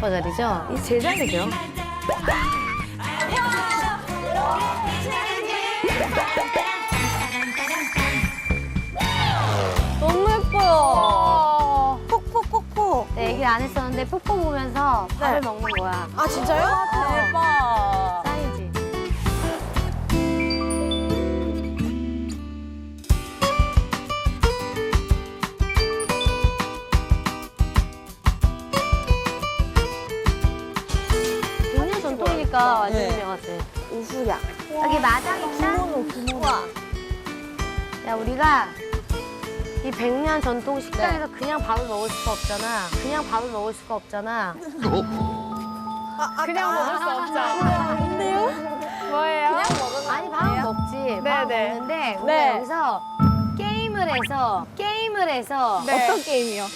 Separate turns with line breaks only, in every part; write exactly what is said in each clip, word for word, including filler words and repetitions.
아빠 자리죠? 이 제 자리죠.
너무 예뻐요. 폭폭폭폭.
네, 얘기를 안 했었는데 뽀뽀 보면서 밥을 먹는 거야.
아 진짜요? 대박.
짱이지. 백 년 전통이니까 완전
네.
유명하지.
우수야.
여기 마당 있다?
부모노 부모노.
야, 우리가 이 백 년 전통 식당에서
네.
그냥 밥을 먹을 수가 없잖아. 그냥 밥을 먹을 수가 없잖아.
그냥 먹을 수 없잖아.
뭔데요?
뭐예요?
그냥 먹으면
아니, 밥은 먹지. 밥은
네.
먹는데 우리
네.
여기서 게임을 해서 게임을 해서
네.
어떤 게임이요?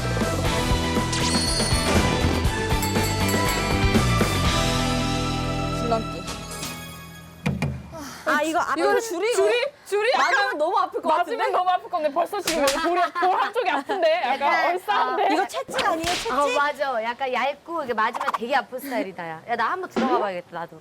줄넘기. 아 이거 앞으로 줄이고
줄이? 줄이?
맞으면 너무 아플 것 같은데?
맞으면 너무 아플 건데 벌써 지금 볼이 볼 한쪽이 아픈데? 약간
약간,
얼싸한데?
이거 채찍 아니에요? 채찍?
어, 맞아. 약간 얇고 이게 맞으면 되게 아픈 스타일이다. 야, 야 나 한번 들어가 봐야겠다, 나도.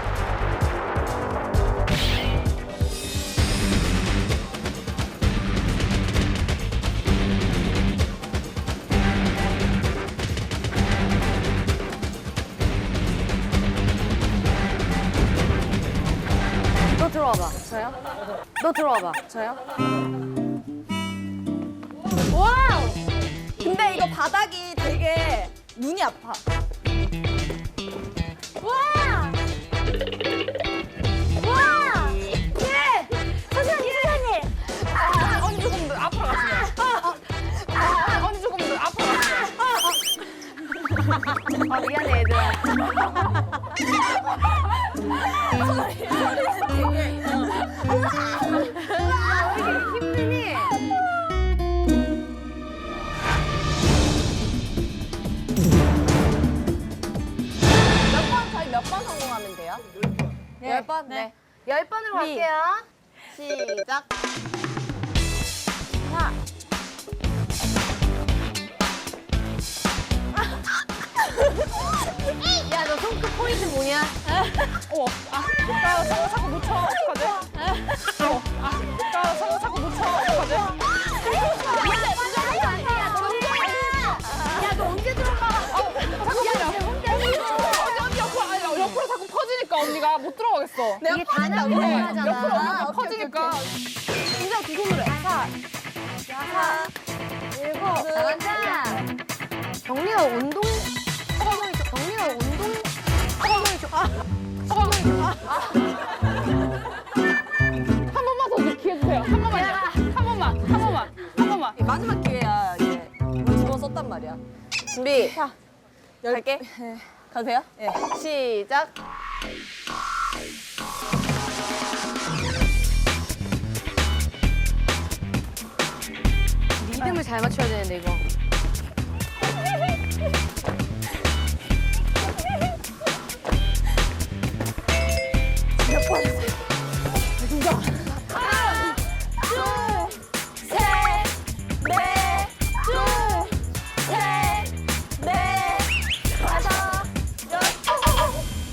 너 들어와 봐.
저요?
너 들어와 봐.
저요? 와우! 근데 이거 바닥이 되게 눈이 아파. 와! 와! 예! 선생님, 선생님!
아, 언니 조금 더 앞으로 가시면. 아, 언니 조금 더 앞으로 가시면.
아, 미안해, 얘들아. 왜 이렇게 힘드니?
몇 번, 저희 몇 번 성공하면 돼요?
네.
열 번? 네.
열 번으로 갈게요.
시작. 하나.
야, 너 손끝 포인트 뭐냐?
어, 아, 나 상어 자꾸 놓쳐. 어떡하지? 어, 아, 나 상어 자꾸 놓쳐. 어떡하지?
야, 너 언제 들어가?
잠깐만요. 언니, 언니 옆으로, 아니, 옆으로 자꾸 퍼지니까 언니가 못 들어가겠어.
이게 단합이
네,
필요하잖아.
옆으로 언니가
오케이,
퍼지니까.
인정 두 손으로 해. 사, 여섯, 일곱.
잘한다. 경리가 운동. 경리가 운동.
한 번만 더 기회 주세요. 한 번만요. 한 번만, 한 번만, 한 번만.
마지막 기회야, 이게. 두 번 썼단 말이야. 준비. 자, 갈게. 가도 돼요? 예. 시작.
리듬을 잘 맞춰야 되는데, 이거.
몇 번 했어요? 진짜. 하나, 둘, 셋, 넷, 둘, 셋, 넷, 다섯, 여섯,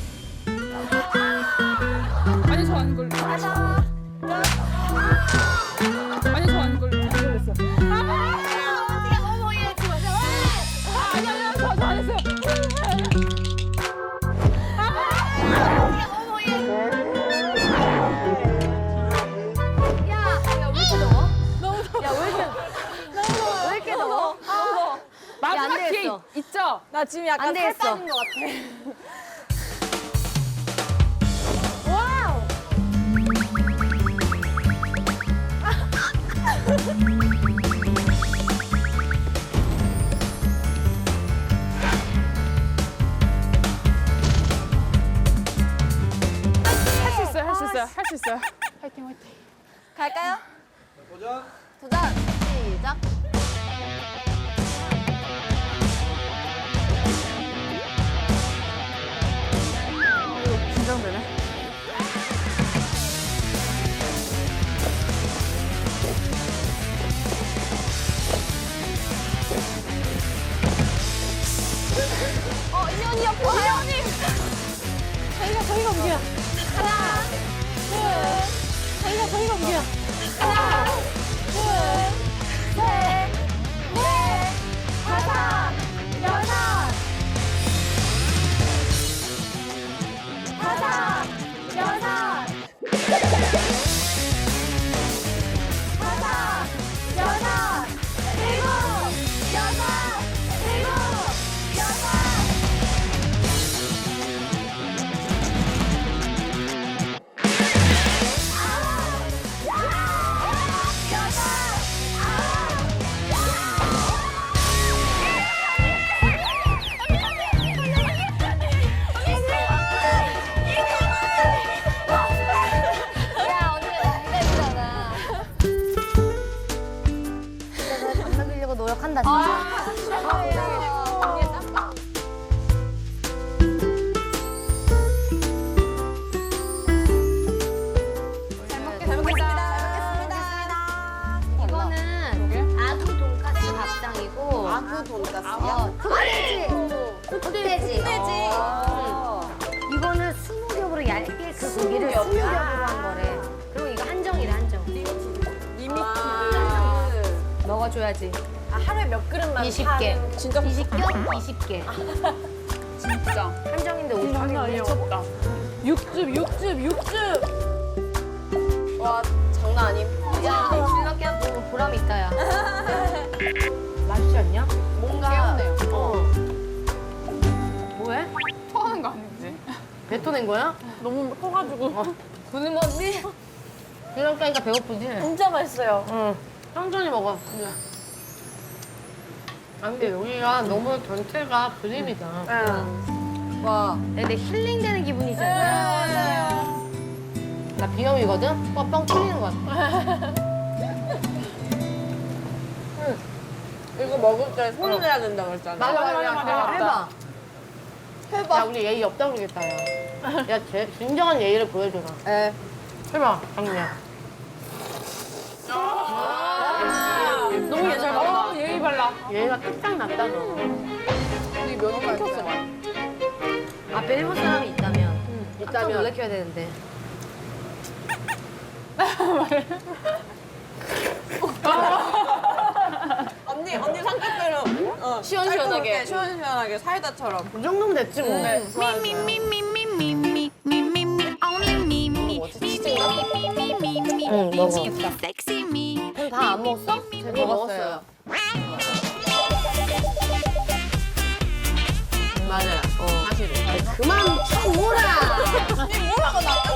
아니, 저 아닌 걸로.
다섯, 여섯.
아니, 저 아닌 걸로. 안 걸렸어.
어머, 얘 지금.
아, 아니, 아니, 아니, 저, 저안 했어요.
어머, 얘. 야, 야, 왜 이렇게 더워?
너무 더워.
야, 왜 이렇게, 왜 이렇게 더워?
더워.
마지막
안
기회
되겠어.
있죠?
나 지금
안
약간 살
되겠어.
빠진 것 같아. 와우!
할 수 있어요, 할 수 있어요, 할 수 있어요. 화이팅, 화이팅.
갈까요? 도전. 도전. 시작.
긴장되네.
어,
무기야.
하나, 둘, 저희가 저희가 무기야. 하나, 둘, 셋, 넷, 다섯, 여섯, 다섯, 여섯, 다섯, 여섯, 일곱, 여섯, 일곱, 여섯.
야, 언니가 기다리잖아.
진짜 잘 만나려고 노력한다 진짜.
언니의 짬밥. 잘 먹겠습니다. 잘 먹겠습니다.
이거는 아구 돈가스 밥상이고.
아구 돈가스요?
어, 흑돼지. 흑돼지.
흑돼지.
이거는 스무 겹으로 얇게 그 고기를 스무 겹으로 한 거래. 그리고 이거 한정이래 한정.
리미티드.
먹어줘야지.
아, 하루에 몇 그릇만
이십 개.
파는- 진짜
이십 겹? 이십 개.
진짜.
한정인데 오십
장난
개.
아니었다. 육즙, 육즙, 육즙.
와, 장난 아님.
야, 줄넘기 하고 보람 있다, 야. 맛있지 않냐?
뭔가
깨우네요.
어. 뭐해?
토하는 거 아니지?
뱉어낸 거야?
너무 커가지고.
구는 언니
줄넘기 하니까 배고프지?
진짜 맛있어요.
응. 천천히 먹어. 아, 근데 여기가 너무 전체가 그림이다.
와.
근데 힐링되는 기분이잖아. 나 비염이거든? 뻥뻥 뚫리는 것 같아.
이거 먹을 때 손을 해야 된다고 했잖아.
맞아, 맞아, 맞아. 해봐.
해봐.
야, 우리 예의 없다 그러겠다, 야. 야, 제, 진정한 예의를 보여줘라.
에.
해봐, 강미야.
너무 예잘 봐. 어, 예의 발라.
예의가 뚝딱 났다, 너.
우리 면이 끊겼어.
앞에 일본 사람이 있다면. 깜짝
있다면.
놀래켜야 되는데.
언니, 언니 상태대로 어, 시원시원하게. 시원시원하게 사이다처럼.
이 정도면 됐지, 뭐.
네.
Me, me, me, me, me, me, me, me, me, only me, me, me, me, me, me, me, me,
응,
me,
먹어.
me, me, sexy me.
그럼 다 안 먹었어?
먹었어요. 맞아요. 어. 사실은.
그만 쳐오라!
언니 뭐라고 나